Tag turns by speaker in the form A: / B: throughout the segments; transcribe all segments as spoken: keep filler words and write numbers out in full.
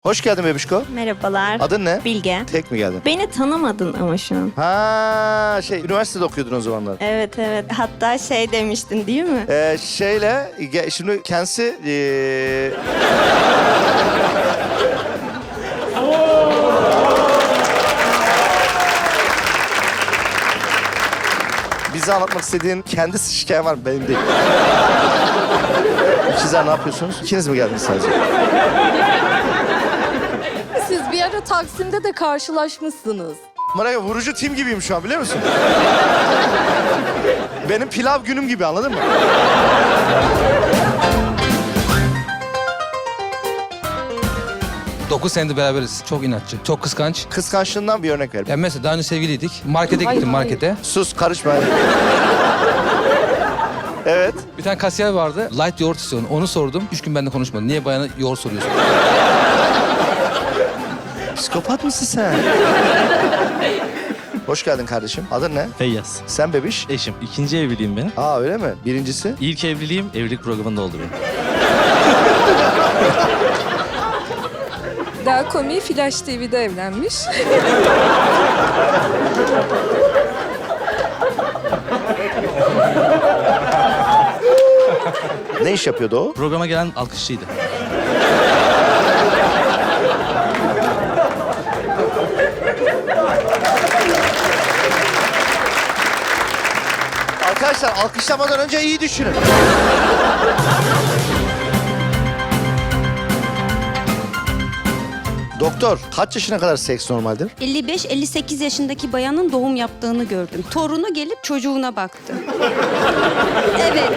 A: Hoş geldin bebişko.
B: Merhabalar.
A: Adın ne?
B: Bilge.
A: Tek mi geldin?
B: Beni tanımadın ama şu an.
A: Ha şey üniversitede okuyordun o zamanlar.
B: Evet evet. Hatta şey demiştin değil mi?
A: Ee, şeyle ge- şimdi kendisi ee... bize anlatmak istediğin kendisi şikayen var mı? Benim değil. İkizler ne yapıyorsunuz? İkiniz mi geldiniz sadece?
C: Siz bir ara Taksim'de de karşılaşmışsınız.
A: Bana vurucu tim gibiyim şu an biliyor musun? Benim pilav günüm gibi anladın mı?
D: dokuz senedir beraberiz. Çok inatçı, çok kıskanç.
A: Kıskançlığından bir örnek ver.
D: Ya mesela daha önce sevgiliydik. Markete
C: Hayır,
D: gittim
C: hayır.
D: markete.
A: Sus karışma. Evet.
D: Bir tane kasiyer vardı. Light yoğurt istiyordu. Onu sordum. Üç gün benimle konuşmadı. Niye bayana yoğurt soruyorsun?
A: Psikopat mısın sen? Hoş geldin kardeşim. Adın ne?
E: Feyyaz.
A: Sen bebiş.
E: Eşim. İkinci evliliğim benim.
A: Aa öyle mi? Birincisi?
E: İlk evliliğim evlilik programında oldu benim.
C: Daha komiği Flash T V'de evlenmiş.
A: Ne iş yapıyordu o?
E: Programa gelen alkışçıydı.
A: Arkadaşlar alkışlamadan önce iyi düşünün. Doktor, kaç yaşına kadar seks normaldir?
F: elli beş elli sekiz yaşındaki bayanın doğum yaptığını gördüm. Torunu gelip çocuğuna baktı. Evet.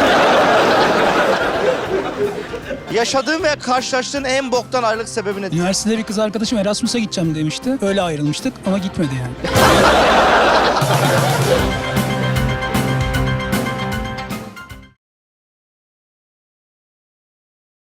A: Yaşadığın veya karşılaştığın en boktan ayrılık sebebi nedir?
G: Üniversitede bir kız arkadaşım Erasmus'a gideceğim demişti. Öyle ayrılmıştık ama gitmedi yani.